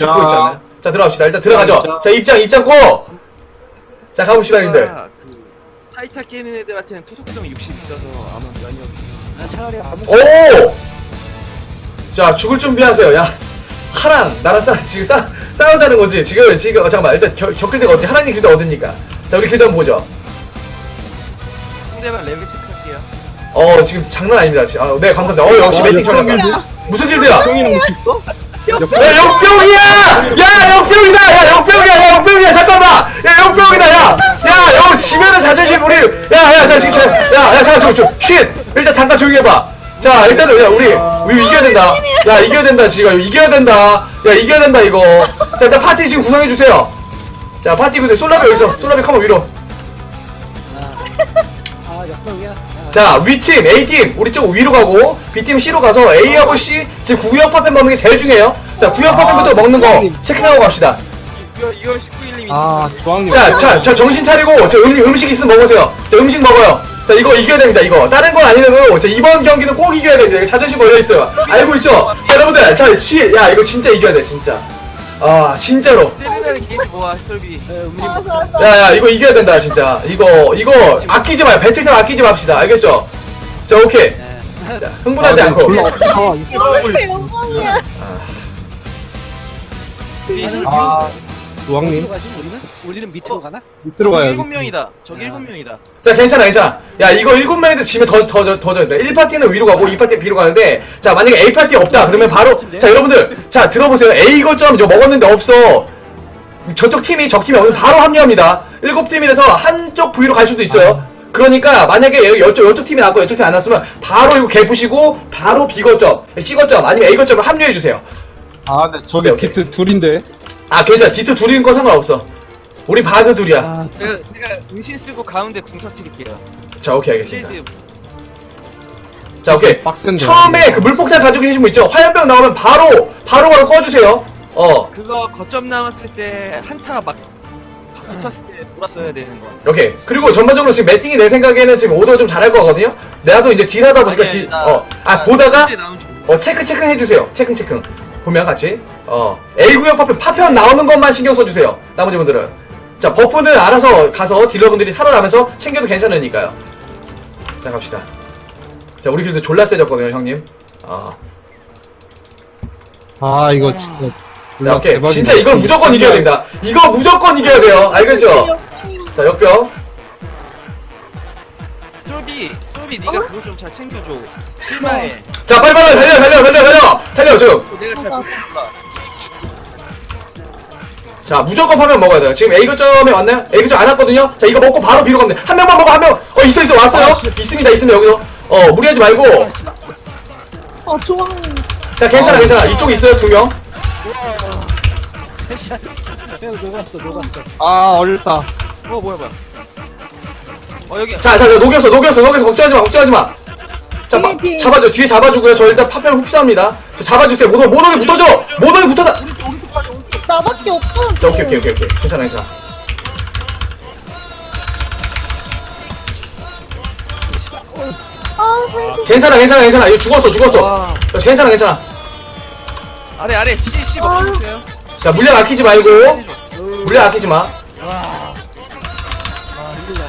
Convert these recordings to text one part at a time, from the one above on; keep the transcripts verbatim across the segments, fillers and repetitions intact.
죽고 있지 않나요? 자, 들어갑시다. 일단 들어가죠. 자, 입장, 입장 고! 자, 가봅시다, 님들. 그 타이타 깨는 애들한테는 투속성이 육십 있어서 아마 면이 없. 차라리 아무 오! 자, 죽을 준비하세요. 야, 하랑, 나랑 싸, 지금 싸, 싸우자는 거지. 지금, 지금, 어, 잠깐만. 일단 겨, 겪을 데가 어디, 하랑님 길드 어딥니까? 자, 우리 길드 한번 보죠. 상대방 레벨 체크할게요. 어, 지금 장난 아닙니다. 지- 아, 네, 감사합니다. 어, 역시 매팅 전략가. 무슨 길드야? 형이랑 있어? 야, 역병이야! 야, 역병이다! 야, 역병이야! 야, 역병이야! 잠깐만! 야, 역병이다! 야! 야, 여 지면은 자존심 우리! 야, 야, 자, 지금, 자, 야, 야, 잠깐, 잠깐, 쉿! 일단 잠깐 조용히 해봐. 자, 일단은, 야, 우리, 우리 이겨야 된다. 야, 이겨야 된다, 지금. 이겨야 된다. 야, 이겨야 된다, 이거. 자, 일단 파티 지금 구성해주세요. 자, 파티 근데 솔라비 어디있어? 솔라비 컴온 위로. 아 역병이야. 자, 위팀, A팀, 우리 쪽 위로 가고, B팀 C로 가서 A하고 C, 지금 구역 파편 먹는 게 제일 중요해요. 자, 구역 파편부터 먹는 거 체크하고 갑시다. 이거 이거 십구 일님이. 아 주황님. 자, 자, 자, 정신 차리고, 저 음, 음식 있으면 먹으세요. 자, 음식 먹어요. 자, 이거 이겨야 됩니다, 이거. 다른 건 아니라도, 자, 이번 경기는 꼭 이겨야 됩니다. 이거 자존심 걸려있어요. 알고 있죠? 자, 여러분들, 자, 치, 야, 이거 진짜 이겨야 돼, 진짜. 아, 진짜로. 세르나는 게이지 모아 설비. 야, 야, 이거 이겨야 된다, 진짜. 이거, 이거, 아끼지 마요. 배틀템 아끼지 맙시다. 알겠죠? 자, 오케이. 자, 흥분하지 않고. 졸라 없어. 이렇게 영광이야. 아 주황님 어디로 가지? 우리는? 우리는 밑으로 가나? 밑으로 가야지. 일곱 명이다. 저기 일곱 명이다. 자, 괜찮아, 괜찮아. 야, 이거 일곱 명인데 지면 더, 더, 더, 더, 더, 더. 일 파티는 위로 가고, 이 파티는 B로 가는데, 자, 만약에 A 파티 없다, 그러면 바로, 자, 여러분들, 자, 들어보세요. A 거점 이거 먹었는데 없어. 저쪽 팀이, 적 팀이 없으면 바로 합류합니다. 일곱 팀이라서 한쪽 V로 갈 수도 있어요. 그러니까, 만약에 여쪽, 여쪽 팀이 나왔고, 여쪽 팀이 안 나왔으면, 바로 이거 개푸시고, 바로 B 거점, C 거점, 아니면 A 거점을 합류해주세요. 아 근데 저기 오케이, 오케이. 디트 둘인데. 아, 괜찮아. 디트 둘인 거 상관없어. 우리 바드 둘이야. 아 제가 제가 은신 쓰고 가운데 궁 터뜨릴게요. 자, 오케이, 알겠습니다. 실드 자, 오케이. 빡센데. 처음에 그 물폭탄 가지고 계신 분 있죠? 화염병 나오면 바로, 바로 바로 꺼주세요. 어, 그거 거점 남았을 때 한타가 막 붙었을 때 돌았어야 되는 거. 오케이. 그리고 전반적으로 지금 매팅이 내 생각에는 지금 오더 좀 잘할 거거든요? 나도 이제 딜하다 보니까 아니, 딜, 나- 어, 아, 나 보다가, 실제 나온 줄- 어, 체크, 체크 해주세요. 체크, 체크. 보면 같이. 어, A구역 파편, 파편 나오는 것만 신경 써주세요. 나머지 분들은. 자, 버프는 알아서 가서 딜러분들이 살아나면서 챙겨도 괜찮으니까요. 자, 갑시다. 자, 우리 길도 졸라 세졌거든요, 형님. 어. 아 이거 진짜. 자, 졸라 오케이. 대박이다. 진짜 이건 무조건 이겨야 됩니다. 이거 무조건 이겨야 돼요. 알겠죠? 자, 역병. 쫄비 쫄비 네가 그거 좀 잘 챙겨줘. 실마해. 자, 빨리빨리 달려, 달려, 달려, 달려! 달려, 지금. 내가 잘 몰라. 자, 무조건 파면 먹어야 돼요. 지금 A 거점에 왔나요? A 거점 안 왔거든요? 자, 이거 먹고 바로 B로 가면 돼. 한 명만 먹어, 한 명! 어, 있어, 있어, 왔어요? 있습니다, 있습니다, 여기서. 어, 무리하지 말고. 어, 좋아. 자, 괜찮아, 괜찮아. 이쪽 있어요, 두 명. 형 녹았어 녹았어. 아 어렵다. 어 뭐야 뭐야. 어 여기. 자, 자, 자, 녹였어, 녹였어, 녹였어. 걱정하지 마, 걱정하지 마. 자, 마, 뒤에, 뒤에. 잡아줘. 뒤에 잡아주고요. 저 일단 파편을 흡수합니다. 저 잡아주세요. 모노, 모노에 붙어줘! 모노에 붙어다! 나밖에 없어. 자, 오케이, 오케이, 오케이, 오케이. 괜찮아, 괜찮아. 아, 살기. 괜찮아, 괜찮아, 괜찮아. 이거 죽었어, 죽었어. 와. 자, 괜찮아, 괜찮아. 아래 아래 C C 먹어주세요. 자, 물량 아끼지 말고. 물량 아끼지 마. 아 힘들다.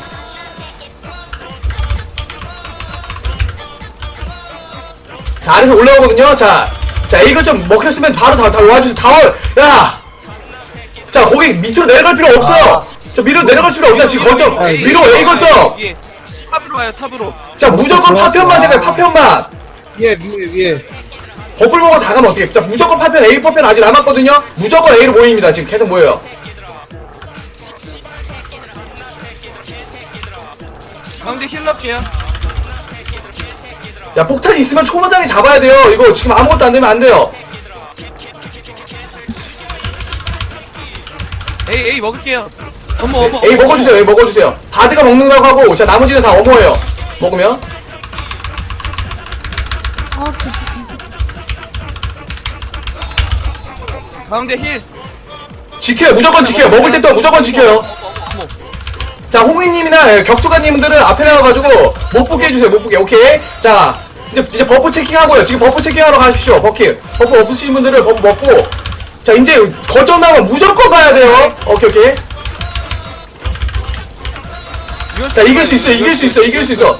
자, 아래서 올라오거든요. 자, 자, 이거 좀 먹혔으면 바로 다, 다 와주세요. 다 와. 야! 자, 거기 밑으로 내려갈 필요 없어요. 저 밑으로 내려갈 필요 없잖아. 지금 거점. 위로 A 거점. 위에. 탑으로 와요 탑으로. 자, 무조건 좋았어. 파편만 생각해, 파편만. 위에 위에 위에. 버플 먹어 다 가면 어떡해. 자, 무조건 파편, A 파편 아직 남았거든요. 무조건 A로 모입니다. 지금 계속 모여요. 가운데 힐러게요. 야, 폭탄 있으면 초마당에 잡아야 돼요. 이거 지금 아무것도 안 되면 안 돼요. 에이 에이 먹을게요. 어머 어머. A 먹어주세요. A 먹어주세요. 바드가 먹는다고 하고, 자, 나머지는 다 어머예요. 먹으면. 아, 진짜. 가운데 힐. 지켜요. 무조건 지켜요. 먹을 때 또 무조건 지켜요. 어머 어머. 자, 홍희님이나 격투가님들은 앞에 나와가지고 못 보게 해주세요. 못 보게. 오케이. 자, 이제 이제 버프 체킹하고요. 지금 버프 체킹하러 가십시오. 버킹. 버프 없으신 분들은 버프 먹고. 자 이제 거점 나오면 무조건 가야 돼요. 오케이 오케이. 자 이길 수 있어 이길 수 있어 이길 수 있어.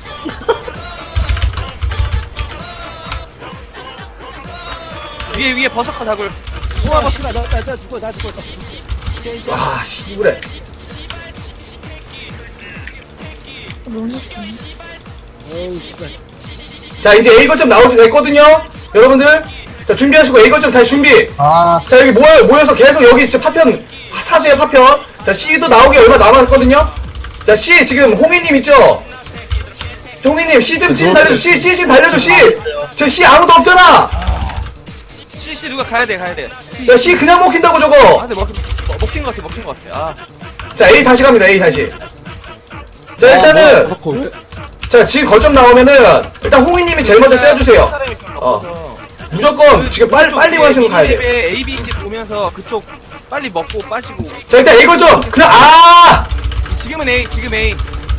위에 위에 버섯과 다굴. 우와 씨발 나나 나 죽어 나 죽어. 아 씨부래. 너무 웃겨. 어우 씨발. 자 이제 A 거점 나올 때 됐거든요. 여러분들 자 준비하시고 A 거점 다시 준비. 아, 자 여기 모여 모여서 계속 여기 이제 파편 사수의 파편. 자 C도 나오기 얼마 남았거든요. 자 C 지금 홍희님 있죠? 저 홍희님 C 좀 C 좀 달려줘. C C 좀 달려줘 C. 저 C 아무도 없잖아. 씨씨 누가 가야 돼 가야 돼. 야 C 그냥 먹힌다고 아 저거. 근데 먹 먹- 먹힌 것 같아 먹힌 것 같아. 아 자 A 다시 갑니다 A 다시. 자 아, 일단은 뭐, 그렇고. 자 지금 거점 나오면은 일단 홍희님이 제일 먼저 떼어주세요. 사람이 별로 어. 없어서. 무조건 지금 빨리 그쪽 빨리 위에 가시고 가야 돼. 미니맵에 A, B, C 보면서 그쪽 빨리 먹고 빠지고. 자 일단 A 거점 그냥 아. 지금은 A 지금 A.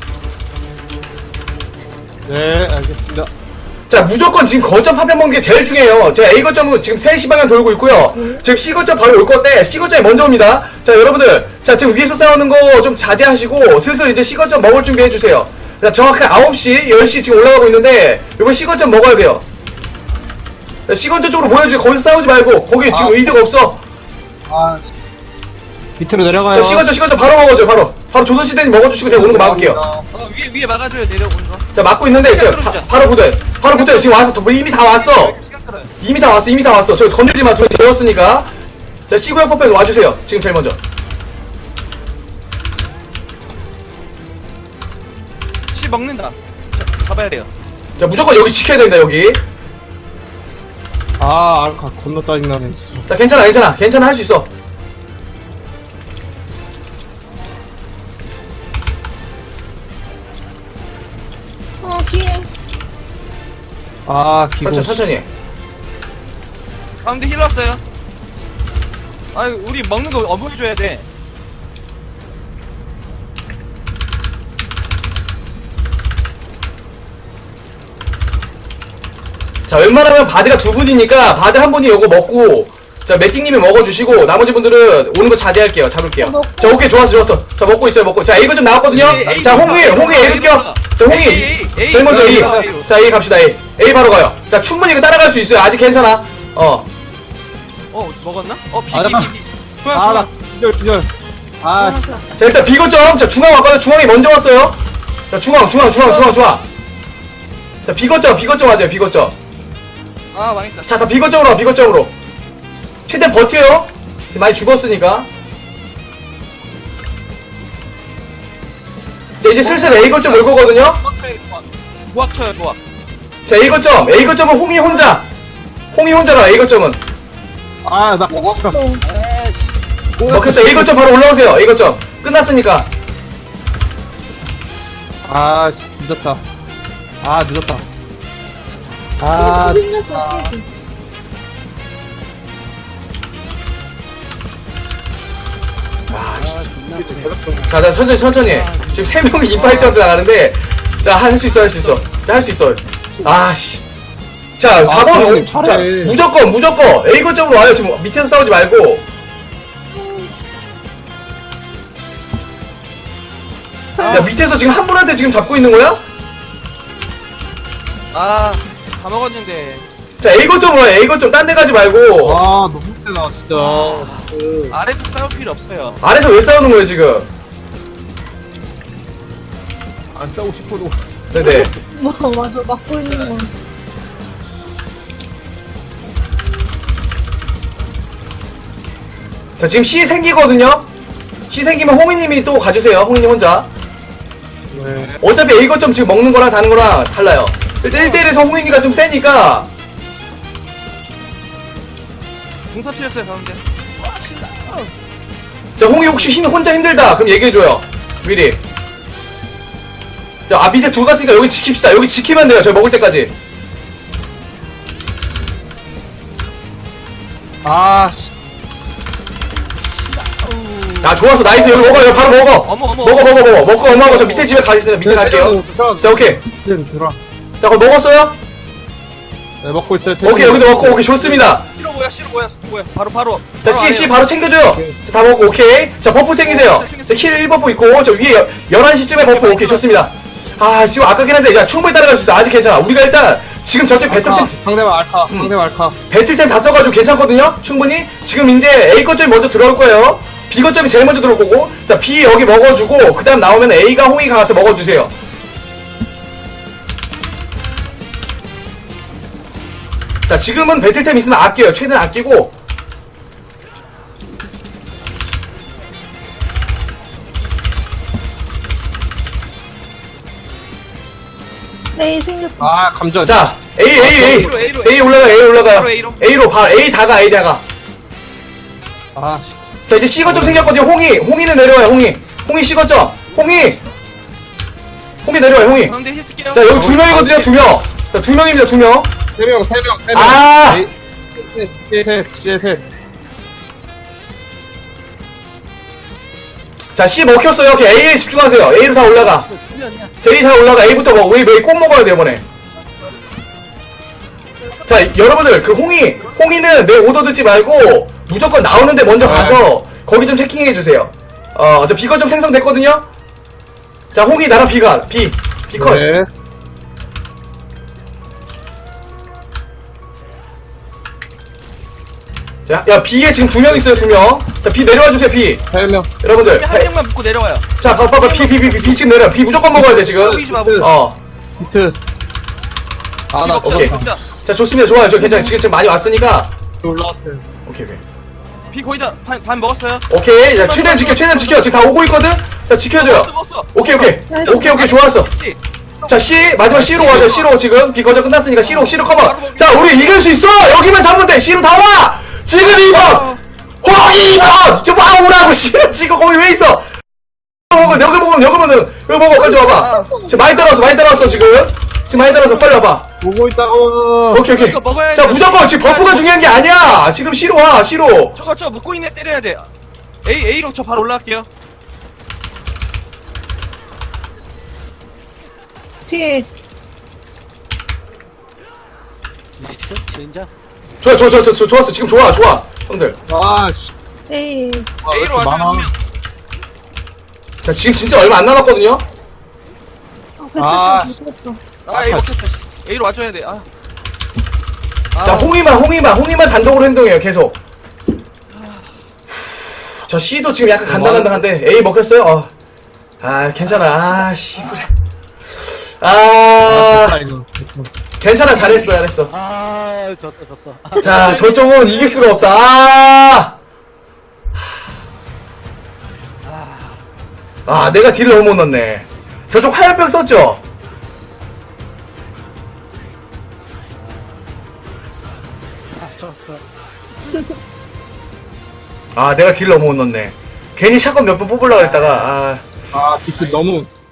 네, 알겠습니다. 자 무조건 지금 거점 파편 먹는 게 제일 중요해요. 제가 A 거점은 지금 세 시 방향 돌고 있고요. 지금 C 거점 바로 올 건데 C 거점이 먼저 옵니다. 자 여러분들 자 지금 위에서 싸우는 거 좀 자제하시고 슬슬 이제 C 거점 먹을 준비해 주세요. 자 정확히 아홉 시 열 시 지금 올라가고 있는데 이번 C 거점 먹어야 돼요. 자, C 거점 쪽으로 모여주세요. 거기서 싸우지 말고 거기 지금 아. 의대가 없어. 아, 밑으로 내려가요. 자 C 거점 C 거점 바로 먹어줘요. 바로 바로 조선시대님 먹어주시고 제가 오는 거 막을게요. 어 위에 위에 막아줘요 내려오는 거. 자 막고 있는데 지금 바, 바로 붙어요. 바로 붙어요. 지금 와서 더- 이미 다 왔어. 시간 끌어요. 이미 다 왔어 이미 다 왔어. 저 건들지 마. 둘이 재웠으니까. 자 시구형 퍼펙트 와주세요. 지금 제일 먼저. 씨 먹는다. 자, 잡아야 돼요. 자 무조건 여기 지켜야 됩니다. 여기. 아, 알카 겁나 짜증나네, 진짜. 자 괜찮아 괜찮아 괜찮아 할 수 있어. 어, 뒤에. 아, 기본. 그렇죠 천천히. 가운데 힐 왔어요. 아유 우리 먹는 거 어머해줘야 돼. 자 웬만하면 바드가 두 분이니까 바드 한 분이 요거 먹고 자 매띵님이 먹어주시고 나머지 분들은 오는 거 자제할게요. 잡을게요. 먹고. 자 오케이 좋았어 좋았어. 자 먹고 있어요 먹고. 자 이거 좀 나왔거든요. A, A, 자 A, 홍이 A, 홍이 A, A를 껴. 자 A, 홍이 A, A, 제일 먼저 A, A. A, A. 자 A 갑시다 A. A 바로 가요. 자 충분히 이거 따라갈 수 있어요. 아직 괜찮아. 어. 어 먹었나? 어 비, 아, 비, 잠깐. 비, 비. 그만 아, 나, 그만. 기절, 기절. 아, 씨. 자 일단 B 거점. 자 중앙 왔거든. 중앙이 먼저 왔어요. 자 중앙 중앙 중앙 중앙 중앙. 자 B 거점 B 거점 맞아요 B 거점. 아 망했다. 자 다 B 거점으로 와 B 거점으로. 최대한 버텨요. 지금 많이 죽었으니까. 자 이제 슬슬 A 거점 올 거거든요. 조합 쳐요 조합. 자 A 거점 A 거점은 홍이 혼자. 홍이 혼자라 A 거점은. 아, 나, 먹었어. 에이씨. 먹혔어. A 거점 바로 올라오세요. A 거점 끝났으니까. 아, 늦었다. 아, 늦었다. 아, 아, 생겼어, 시드. 자, 자 천천히 천천히. 지금 세 명이 인파이트한테 나가는데, 자 할 수 있어 할 수 있어. 자 할 수 있어. 아씨. 자 사 번 형님, 자 잘해. 무조건 무조건 A 거점으로 와요. 지금 밑에서 싸우지 말고. 야 밑에서 지금 한 분한테 지금 잡고 있는 거야? 아다 먹었는데. 자 A 거점으로 와요. A 거점 딴 데 가지 말고. 아, 너무 세다, 진짜. 그, 아래도 싸울 필요 없어요. 아래서 왜 싸우는 거예요 지금? 안 싸우고 싶어도. 네네. 뭐, 맞아, 막고 있는 거. 자 지금 C 생기거든요. C 생기면 홍이님이 또 가주세요. 홍이님 혼자. 네. 어차피 A 거점 지금 먹는 거랑 다른 거랑 달라요. 일단 일 대일에서 홍인이가 좀 세니까. 궁 터트렸어요 가운데. 자 홍이 혹시 힘 혼자 힘들다 그럼 얘기해줘요 미리. 자, 아 밑에 둘 갔으니까 여기 지킵시다. 여기 지키면 돼요. 저희 먹을 때까지. 아, 씨. 아 좋았어 나이스. 여기 먹어 여기 바로 먹어. 어머, 어머. 먹어 먹어 먹어 먹고 엄마하고 저 밑에 집에 가 있어요. 밑에 갈게요. 자 오케이. 이제 들어와. 자 그럼 먹었어요? 네, 먹고 있어요. 오케이, 여기도 먹고, 오케이, 좋습니다. 싫어 뭐야 싫어 뭐야 뭐야 바로 바로 자, C, C 바로 챙겨줘요. 자, 다 먹고, 오케이. 자, 버프 챙기세요. 자, 힐 일 버프 있고, 저 위에 열한 시쯤에 버프, 오케이, 좋습니다. 아, 지금 아깝긴 한데, 야, 충분히 따라갈 수 있어. 아직 괜찮아. 우리가 일단, 지금 저쪽 알카. 배틀템, 상대방 알카. 음. 상대방 알카. 배틀템 다 써가지고 괜찮거든요? 충분히. 지금 이제 A 거점이 먼저 들어올 거예요. B 거점이 제일 먼저 들어올 거고, 자, B 여기 먹어주고, 그 다음 나오면 A가 홍이가 가서 먹어주세요. 자, 지금은 배틀템 있으면 아껴요. 최대한 아끼고. A 생겼다. 아, 감전. 자, A, A, A. A로, A로. A 올라가, A 올라가. 바로 A로. A로, 바, A 다가, A 다가. 아, 씨. 자, 이제 C 거점 생겼거든요. 홍이. 홍이는 내려와요, 홍이. 홍이 C 거점. 홍이. 홍이 내려와요, 홍이. 가운데 힐 쓸게요 자, 여기 두 명이거든요, 두 명. 자, 두 명입니다, 두 명. 세 명, 세 명, 세 명. 아! 셋, 셋, 셋, 셋, 셋. 자, C 먹혔어요. 오케이, A에 집중하세요. A로 다 올라가. 수면이야. 자, A 다 올라가. A부터 먹어. 우리 A 꼭 먹어야 돼요, 이번에. 자, 여러분들, 그 홍이, 홍이는 내 오더 듣지 말고, 무조건 나오는데 먼저 가서, 거기 좀 체킹해주세요. 어, 저 B 거점 생성됐거든요? 자, 홍이 나랑 B가, B. B컷. 네. 자, 야, B에 지금 두 명 있어요, 두 명. 자, B 내려와 주세요, B. 세 명. 여러분들. 한 명만 묶고 내려와요 자, 봐, 봐, 봐. B, B, B, B, B 지금 내려. B 무조건 먹어야 돼, 지금. 보이지 마 보이지 마 어. 히트. 아, 나 오케이. 죽었다. 자, 좋습니다. 좋아요. 저 괜찮아요. 지금, 지금 많이 왔으니까. 올라왔어요. 오케이, 오케이. 비 거의 다반 반 먹었어요 오케이. 자, 최대한 지켜, 최대한 지켜. 지금 다 오고 있거든? 자, 지켜줘요. 먹었어 오케이, 오케이. 오케이, 오케이. 좋았어. C 자, C. 마지막 C로 가죠. C로 지금. B 거저 끝났으니까 C로, C로 커버. 자, 우리 이길 수 있어! 여기만 잡으면 돼. C로 다 와! 지금 이 번! 호, 이 번! 좀 와오라고, C로 지금 거기 왜 있어? 먹어, 여기 먹으면, 여기 먹으면, 여기 먹어. 빨리 와봐. 지금 많이 따라왔어, 많이 따라왔어, 지금. 지금 많이 따라왔어. 빨리 와봐. 보고 있다고. 오케이, 오케이. 이거 먹어야 자, 돼. 무조건 지금 버프가 중요한 게 아니야! 지금 C로 와, C로. 저거 저 묶고 있네 때려야 돼 A A로 저 바로 올라갈게요 뒤에 미션 진짜. 좋아, 좋아, 좋아, 좋아, 좋았어. 지금 좋아, 좋아. 형들. 아, 씨. A. 아, 왜 A로 이렇게 와줘요 많아? 한 명. 자, 지금 진짜 얼마 안 남았거든요? 아, 아. 배틀템 못했어. 아 A 먹혔다 A로 와줘야 돼 아. 자, 홍이만, 홍이만, 홍이만 단독으로 행동해요, 계속. 저 C도 지금 약간 간당간당한데, A 먹혔어요? 어. 아, 괜찮아. 아, 씨부자. 아, 아, 좋다, 이거. 괜찮아. 잘했어, 잘했어. 아, 졌어, 졌어. 자, 저쪽은 이길 수가 없다. 아! 아, 내가 딜을 너무 못 넣네. 저쪽 화염병 썼죠? 아, 졌어. 아, 내가 딜을 너무 못 넣네. 괜히 샷건 몇 번 뽑으려고 했다가, 아. 아, 비트 너무